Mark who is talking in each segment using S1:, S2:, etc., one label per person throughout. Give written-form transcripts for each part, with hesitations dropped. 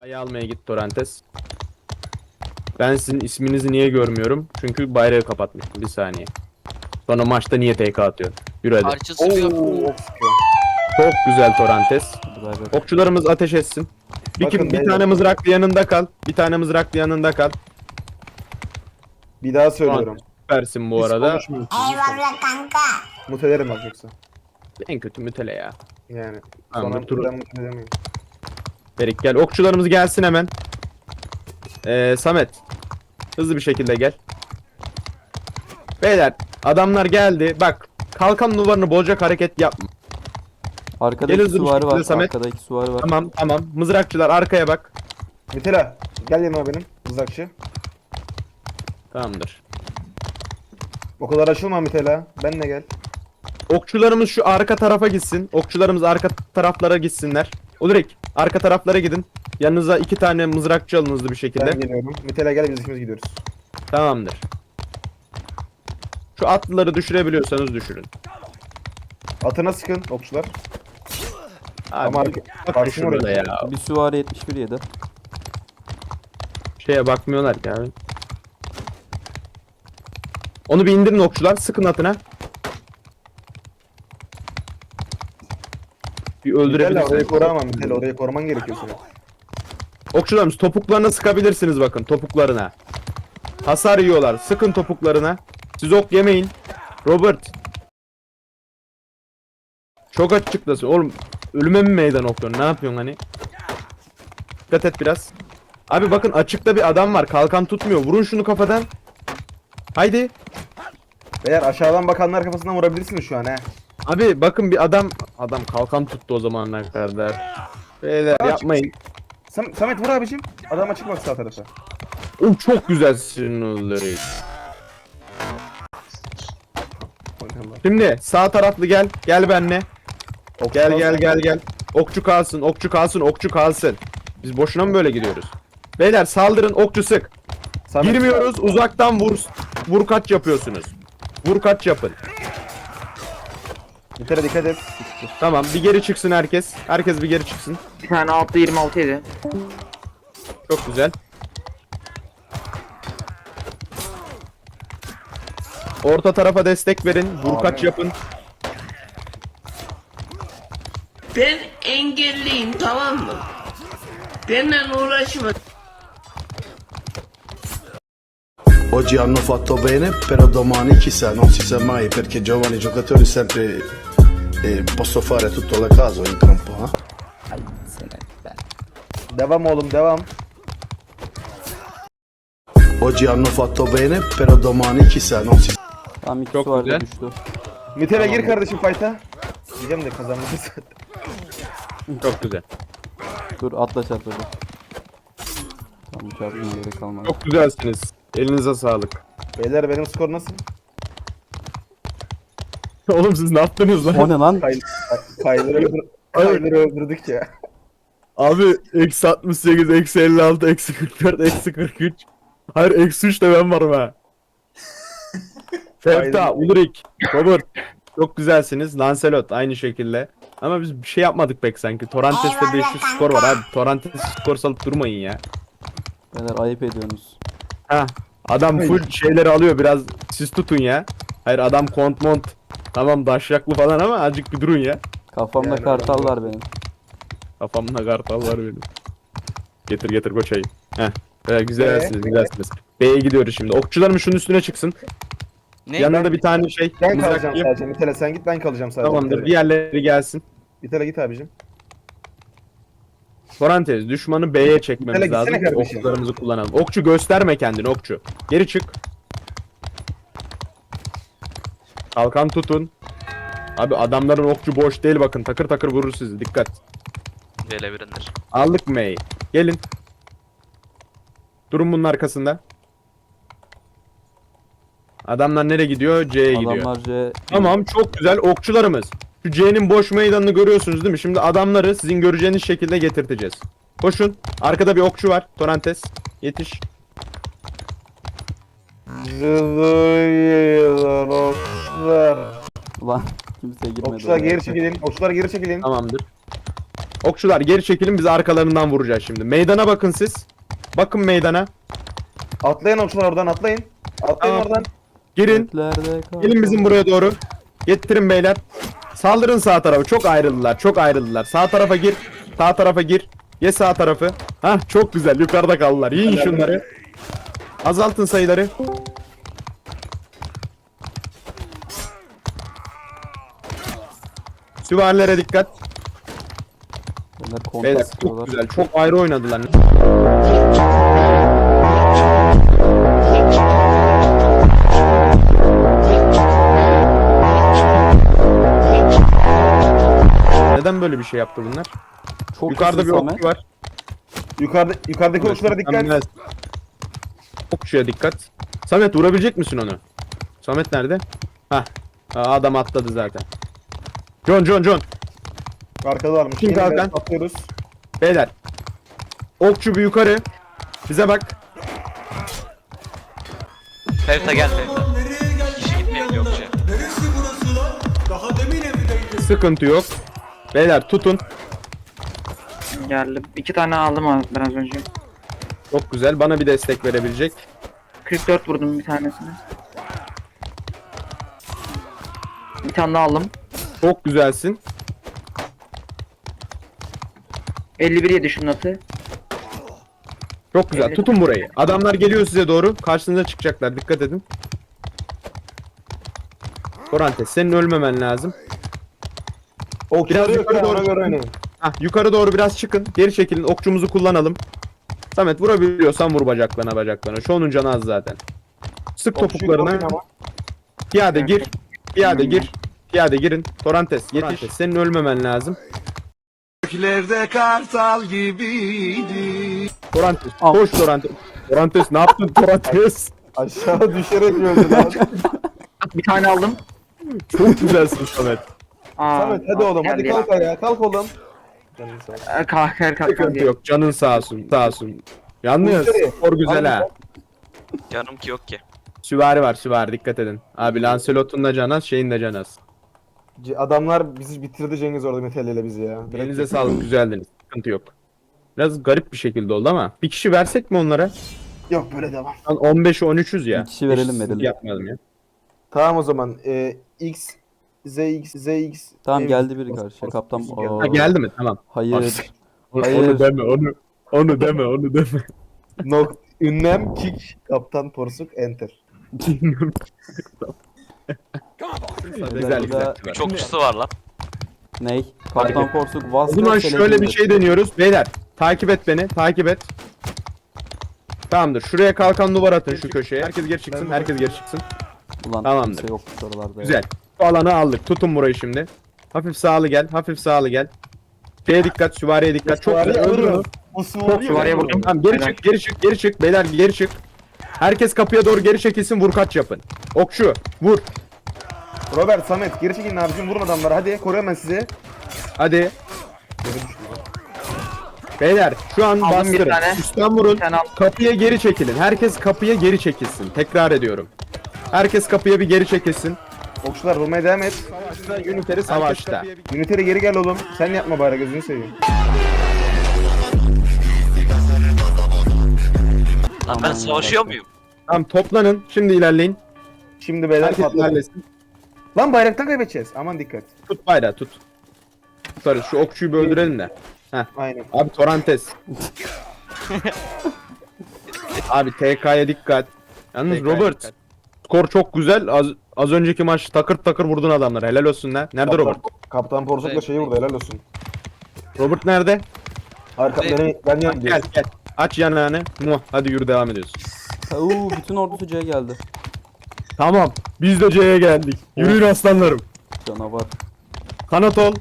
S1: Bayrağı almaya git Torantes. Ben sizin isminizi niye görmüyorum? Çünkü bayrağı kapatmıştım. Bir saniye. Sonra maçta niye TK atıyor? Yürü hadi.
S2: Parça sıkıyor.
S1: Çok güzel Torantes.
S3: Hadi.
S1: Okçularımız ateş etsin.
S4: Bakın
S1: Bir
S4: beyler.
S1: tane mızraklı yanında kal. Bir tane mızraklı yanında kal.
S4: Bir daha söylüyorum.
S1: Süpersin bu
S4: Hiç
S1: arada.
S4: konuşmayın.
S5: Eyvallah kanka.
S4: Mutelerim bak yoksa.
S1: En kötü mütele ya.
S4: Yani.
S1: Tamam,
S4: Sonra
S1: dur.
S4: mutelemeyin.
S1: Ferik gel. Okçularımız gelsin hemen. Samet. Hızlı bir şekilde gel. Beyler adamlar geldi. Bak kalkan duvarını bozacak hareket yapma.
S3: Arkada
S1: Gel
S3: iki
S1: hızlı bir
S3: süvari var.
S1: şekilde Samet.
S3: Arkada iki süvari var.
S1: Tamam. Mızrakçılar arkaya bak.
S4: Mitela gel yanıma benim mızrakçı.
S1: Tamamdır.
S4: O kadar açılma Mitela. Benle gel.
S1: Okçularımız şu arka tarafa gitsin. Okçularımız arka taraflara gitsinler. Ulrik arka taraflara gidin. Yanınıza 2 tane mızrakçı alın hızlı bir şekilde.
S4: Ben geliyorum. Mitela gel biz ikimiz gidiyoruz.
S1: Tamamdır. Şu atlıları düşürebiliyorsanız düşürün.
S4: Atına sıkın okçular.
S1: Abi,
S4: Ama
S1: bak
S4: karşım
S1: şurada
S4: orada.
S1: ya.
S3: Bir süvari 71 yedi.
S1: Şeye bakmıyorlar ki abi. Onu bir indirin okçular. Sıkın atına. Bir
S4: Mitela orayı
S1: öldürebilirsiniz.
S4: koruamam Mitela. Orayı koruman gerekiyor senin.
S1: Okçularımız topuklarına sıkabilirsiniz bakın. Topuklarına. Hasar yiyorlar. Sıkın topuklarına. Siz ok yemeyin. Robert. Çok açıklasın. Oğlum ölüme mi meydan okuyorsun? Ne yapıyorsun hani? Dikkat et biraz. Abi bakın açıkta bir adam var. Kalkan tutmuyor. Vurun şunu kafadan. Haydi.
S4: Beyler aşağıdan bakanlar kafasından vurabilirsiniz şu an he.
S1: Abi bakın bir adam. Adam kalkan tuttu o zamanlar kadar. Beyler
S4: Aç.
S1: yapmayın.
S4: Samet vur abicim. Adam açık bak sağ tarafa.
S1: O çok güzel sinirleri. Şimdi sağ taraflı gel. Gel benle. Gel. Okçu kalsın. Biz boşuna mı böyle gidiyoruz? Beyler saldırın, okçu sık.
S4: Samet,
S1: Girmiyoruz, uzaktan vur. Vur kaç yapıyorsunuz. Vur kaç yapın.
S4: Mitela dikkat et.
S1: Tamam, bir geri çıksın herkes. Herkes bir geri çıksın.
S6: Bir tane altta 26 yedi.
S1: Çok güzel. Orta tarafa destek verin. Vur kaç yapın.
S7: Ben engelliyim, tamam mı? Benimle uğraşma.
S8: Oggi hanno fatto bene, però domani chissà, non si sa mai perché giovani giocatori sempre posso fare tutto la caso, entra un po', eh?
S4: Devam oğlum devam.
S8: Oggi hanno fatto bene, però domani chissà, non si
S3: Tamam iki
S1: Çok
S3: süvari de
S1: güzel.
S3: düştü.
S4: Mitela gir kardeşim fight'a. Diyeceğim de kazanmışız.
S1: Çok güzel.
S3: Dur atla çarpıldı. Tamam çarpmaya gerek kalmadı.
S1: Çok güzelsiniz. Elinize sağlık.
S4: Beyler benim skor nasıl?
S1: Oğlum siz ne yaptınız lan?
S3: O ne lan?
S4: Kayları öldürdük ya.
S1: Abi eksi 68, eksi 56, eksi 44, eksi 43. Hayır eksi 3 de ben varım ha. Fefta,
S4: Aynen.
S1: Ulrik, Robert. Çok güzelsiniz. Lancelot aynı şekilde. Ama biz bir şey yapmadık pek sanki. Torrentes'te 500 skor var abi. Torrentes skor salıp durmayın ya.
S3: Beyler ayıp ediyorsunuz.
S1: Ha, adam full şeyleri alıyor biraz. Siz tutun ya. Hayır adam kont mont. Tamam daşyaklı falan ama azıcık bir durun ya.
S3: Kafamda
S4: Yani
S3: kartal var benim.
S1: Kafamda kartal var benim. Getir koçayı. Heh. Güzelsiniz. B'ye gidiyoruz şimdi. Okçularım şunun üstüne çıksın.
S2: Ne?
S1: Yanında bir tane şey.
S4: Ben
S1: mızrak
S4: kalacağım
S1: yap.
S4: sadece. Mitela sen git ben kalacağım sadece.
S1: Tamamdır.
S4: Mitela.
S1: Diğerleri gelsin.
S4: Mitela git abicim.
S1: Parantez. Düşmanı B'ye çekmemiz
S4: Gitsene
S1: lazım.
S4: kardeşim.
S1: Okçularımızı kullanalım. Okçu gösterme kendini okçu. Geri çık. Kalkan tutun. Abi adamların okçu boş değil bakın. Takır takır vurur sizi. Dikkat.
S2: Gelebirindir.
S1: Aldık M'yi. Gelin. Durun bunun arkasında. Adamlar nereye gidiyor? C'ye gidiyor.
S3: Adamlar C...
S1: Tamam çok güzel okçularımız. Şu C'nin boş meydanını görüyorsunuz değil mi? Şimdi adamları sizin göreceğiniz şekilde getirteceğiz. Koşun. Arkada bir okçu var. Torantes. Yetiş.
S4: Okçular.
S3: Ulan kimseye girmedi.
S4: Okçular
S3: oraya.
S4: geri çekilin. Okçular geri çekilin.
S1: Tamamdır. Okçular geri çekilin, biz arkalarından vuracağız şimdi. Meydana bakın siz. Bakın meydana.
S4: Atlayın okçular oradan atlayın. Atlayın
S1: Tamam.
S4: oradan.
S1: Girin.
S3: Göklerde kal.
S1: Gelin bizim buraya doğru. Getirin beyler. Saldırın sağ tarafa. Çok ayrıldılar. Çok ayrıldılar. Sağ tarafa gir. Sağ tarafa gir. Ye sağ tarafı. Hah çok güzel. Yukarıda kaldılar. Yiyin şunları. Azaltın sayıları. Süvarilere dikkat.
S3: Onlar kontra
S1: Beyler çok
S3: sıkıyorlar.
S1: güzel. Çok ayrı oynadılar. Neden böyle bir şey yaptı bunlar?
S3: Çok
S1: Yukarıda bir
S3: hızlı
S1: okçu
S3: Samet.
S1: var.
S4: Yukarıdaki okçulara dikkat.
S1: Mükemmel. Okçuya dikkat. Samet vurabilecek misin onu? Samet nerede? Hah. Aa, adam atladı zaten. John.
S4: Arkada varmış.
S1: Kim
S4: Yine
S1: kalkan?
S4: Atlıyoruz.
S1: Beyler. Okçu bir yukarı. Bize bak.
S2: Fevta gel Fevta. Kişi gitmeyelim yokça.
S1: Sıkıntı yok. Beyler tutun.
S6: Geldim. 2 tane aldım abi biraz önce.
S1: Çok güzel. Bana bir destek verebilecek.
S6: 44 vurdum bir tanesine. Bir tane daha aldım.
S1: Çok güzelsin.
S6: 51 yedi şunun atı.
S1: Çok güzel.
S6: Evet.
S1: Tutun burayı. Adamlar geliyor size doğru. Karşınıza çıkacaklar. Dikkat edin. Korantes senin ölmemen lazım.
S4: Okçuları
S1: Biraz
S4: yok
S1: yukarı
S4: ya,
S1: doğru
S4: ona göre oynayın.
S1: Hah, yukarı doğru biraz çıkın. Geri çekilin. Okçumuzu kullanalım. Samet vurabiliyorsan vur bacaklarına. Şu onun canı az zaten. Sık
S4: Okçuyu
S1: topuklarına.
S4: koruyun ama.
S1: Piyade gir. Piyade gir. Piyade girin. Torantes yetiş. Senin ölmemen lazım.
S8: Göklerde kartal gibiydi.
S1: Torantes.
S3: Al.
S1: Koş Torantes. Torantes ne yaptın Torantes?
S4: Aşağı düşerek öldü lan.
S6: Bir tane aldım.
S1: Çok güzelsin Samet.
S6: Aa,
S4: Samet hadi oğlum hadi
S6: geldi.
S4: kalk ayağa kalk oğlum.
S6: Kalk
S1: Sıkıntı
S6: diye.
S1: yok. Canın sağ olsun. Sağ olsun. Yalnız
S4: Müşteri.
S1: skor güzel ha.
S2: Canım ki yok ki.
S1: Süvari var süvari dikkat edin. Abi Lancelot'un da canaz şeyin de canaz.
S4: Adamlar bizi bitirdi Cengiz orada metalliyle bizi ya.
S1: Elinize sağlık güzeldiniz. Sıkıntı yok. Biraz garip bir şekilde oldu ama. Bir kişi versek mi onlara?
S4: Yok böyle devam.
S1: Lan 15'e 13'üz ya.
S3: Bir kişi verelim,
S1: Hiç
S3: verelim.
S1: Yapmayalım ya.
S4: Tamam o zaman. ZX.
S3: Tamam
S4: Evet.
S3: geldi biri karşıya. Kaptan.
S1: Ha, geldi mi? Tamam.
S3: Hayır.
S1: Onu,
S3: Hayır.
S1: onu deme onu. Onu deme onu deme.
S4: Ünlem kick kaptan porsuk enter.
S1: Güzel güzel.
S2: 3 okçusu var lan.
S3: Ney? Kaptan Porsuk
S1: O
S3: Vazgeç.
S1: zaman şöyle bir şey deniyoruz. Beyler takip et beni. Takip et. Tamamdır. Şuraya kalkan duvar atın şu köşeye. Herkes geri çıksın. Herkes geri çıksın.
S3: Ulan
S1: Tamamdır.
S3: kimse yok oralarda ya.
S1: Güzel. Bu alanı aldık. Tutun burayı şimdi. Hafif sağlı gel. Hafif sağlı gel. Şeye dikkat. Süvariye dikkat. Çok güzel. Öldür onu.
S4: Bu
S1: Çok
S6: Süvariye
S1: güzel.
S6: vurdum.
S1: Tamam geri
S6: Helal.
S1: çık. Geri çık. Geri çık. Beyler geri çık. Herkes kapıya doğru geri çekilsin. Vur kaç yapın. Okçu. Vur.
S4: Robert, Samet geri çekilin abicim vurun adamları hadi koruyorum ben sizi.
S1: Hadi. Beyler şu an
S6: Aldım bir
S1: bastırın.
S6: tane.
S1: Üstten vurun.
S6: Bir tane aldım.
S1: Kapıya geri çekilin. Herkes kapıya geri çekilsin. Tekrar ediyorum. Herkes kapıya bir geri çekilsin.
S4: Okçular vurmaya devam et.
S1: Üniteri savaşta.
S4: Üniteri geri gel oğlum. Sen yapma bari gözünü seveyim.
S2: Lan ben savaşıyor muyum?
S1: Tamam toplanın. Şimdi ilerleyin.
S4: Şimdi beyler
S1: Herkes
S4: patladı.
S1: ilerlesin.
S4: Lan bayraktan kaybedeceğiz. Aman dikkat.
S1: Tut bayrağı tut. Tutarız. Şu okçuyu bir öldürelim de.
S4: Aynen.
S1: Abi Torantes. Abi TK'ya dikkat. Yalnız
S4: TK'ya
S1: Robert.
S4: dikkat.
S1: Skor çok güzel. Az önceki maç takır takır vurdun adamları. Helal olsun lan. Nerede Robert?
S4: Kaptan porsukla şeyi vurdu helal olsun.
S1: Robert nerede?
S4: Arka ben yan
S1: Gel gel. Aç yanağını. Muah. Hadi yürü devam ediyoruz.
S3: Bütün ordusu C'ye geldi.
S1: Tamam. Biz de C'ye geldik. Yürüyün aslanlarım.
S3: Canavar.
S1: Kanat ol.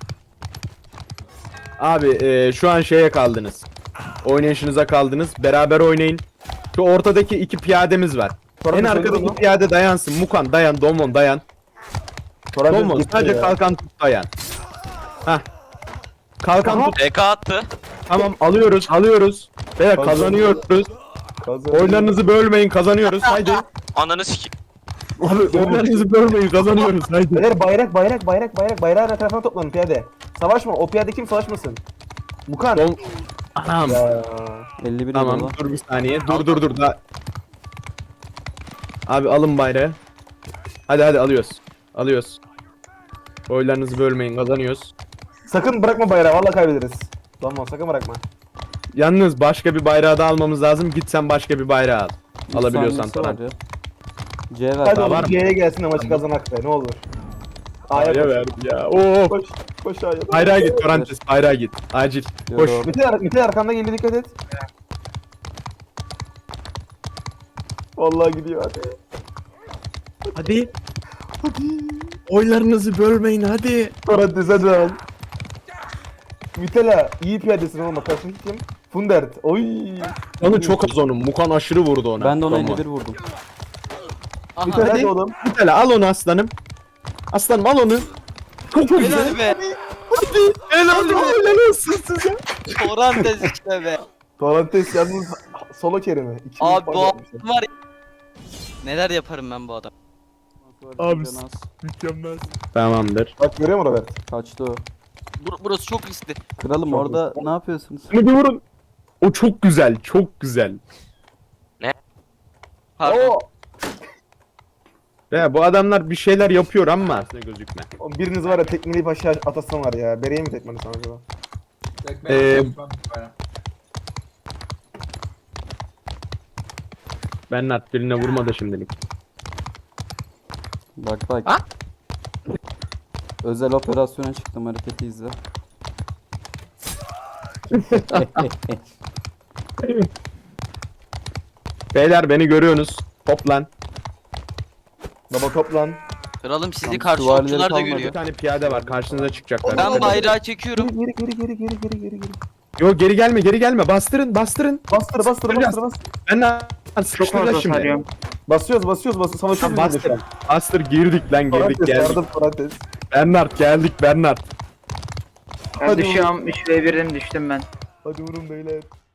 S1: Abi şu an şeye kaldınız. Oynayışınıza kaldınız. Beraber oynayın. Şu ortadaki iki piyademiz var. En arkadaki piyade dayansın. Mukan dayan. Domon dayan. Domon sadece kalkan tut dayan. Hah. Kalkan tut.
S2: TK attı.
S1: Tamam alıyoruz. Alıyoruz. Beyler kazanıyoruz. Oyunlarınızı bölmeyin. Kazanıyoruz. Haydi.
S2: Ananı sikeyim.
S1: Oyunlarınızı bölmeyin. Kazanıyoruz. Haydi.
S4: Beyler bayrağı etrafına toplanın piyade. Savaşma o piyade kim savaşmasın. Mukan.
S1: Son... Anam.
S4: Ya.
S3: 51
S1: Tamam
S3: yedi
S1: dur bir saniye. Dur da. Abi alın bayrağı. Hadi alıyoruz. Alıyoruz. Oylarınızı bölmeyin, kazanıyoruz.
S4: Sakın bırakma bayrağı valla kaybederiz. Tamam sakın bırakma.
S1: Yalnız başka bir bayrağı da almamız lazım. Git sen başka bir bayrağı al.
S3: Bir
S1: Alabiliyorsan
S3: saniyesi var
S1: falan.
S3: ya. C ver.
S4: Hadi
S1: var
S4: oğlum
S1: mı?
S4: C'ye gelsin de maçı kazanak be ne olur. A'ya
S1: Ya
S4: koş.
S1: ver ya. Oo.
S4: Koş. Koş A'ya.
S1: Bayrağa git Torantes, bayrağa git. Acil. Koş.
S3: Yok.
S4: Mete arkanda geliyor dikkat et. Vallahi gidiyor hadi.
S1: Hadi. Oylarınızı bölmeyin hadi.
S4: Torrentes hadi al. Mitela iyi piyadesin oğlum bak karşındaki kim? Fundert. Oy.
S1: Onu çok az onun. Mukan aşırı vurdu ona.
S3: Ben de ona
S1: Tamam.
S3: 51 vurdum.
S4: Mitela hadi oğlum.
S1: Mitela al onu aslanım. Aslanım al onu. Çok güzel.
S2: Helal be.
S1: Helal helal olsun size.
S2: Torantes işte be.
S4: Torrentes yalnız solo kerimi.
S2: Abi bu adam var ya. Neler yaparım ben bu adam.
S1: Abi mükemmel. Tamamdır.
S4: Bak görüyor musun Robert?
S3: Kaçtı o.
S2: Burası çok riskli.
S3: Kralım
S4: Çok
S3: orada ne yapıyorsunuz?
S1: Bunu bir vurun. O çok güzel, çok güzel.
S2: Pardon.
S4: Oo.
S1: Ve bu adamlar bir şeyler yapıyor ama aslında gözükme.
S4: Oğlum biriniz var ya tekmeleyip aşağı atasın var ya. Bere'ye mi tekmelesen acaba?
S1: Bernard birine vurmadı şimdilik.
S3: Bak bak. Özel operasyona çıktım, hareketi izle.
S1: Beyler beni görüyorsunuz. Toplan.
S4: Baba toplan.
S2: Kralım sizi
S3: Tamam,
S2: karşı
S3: süvarileri
S2: okçular da
S3: kalmadı.
S1: Bir
S2: görüyor.
S1: tane piyade var. Karşınıza çıkacaklar.
S2: Ben bayrağı çekiyorum.
S4: Geri.
S1: Yo geri gelme. Bastırın.
S4: Bastır.
S1: Ben de
S6: Çok
S1: sıkıştıracağız
S6: fazla
S1: şimdi.
S6: sarıyorum.
S4: Basıyoruz. Savaşıyoruz biz de şu an.
S1: Bastır girdik lan girdik
S4: Torrentes
S1: geldik.
S4: yardım Torrentes.
S1: Bernard.
S6: Ben
S4: Hadi
S6: düşüyorum. 3v1'den düştüm ben.
S4: Hadi vurun beyler.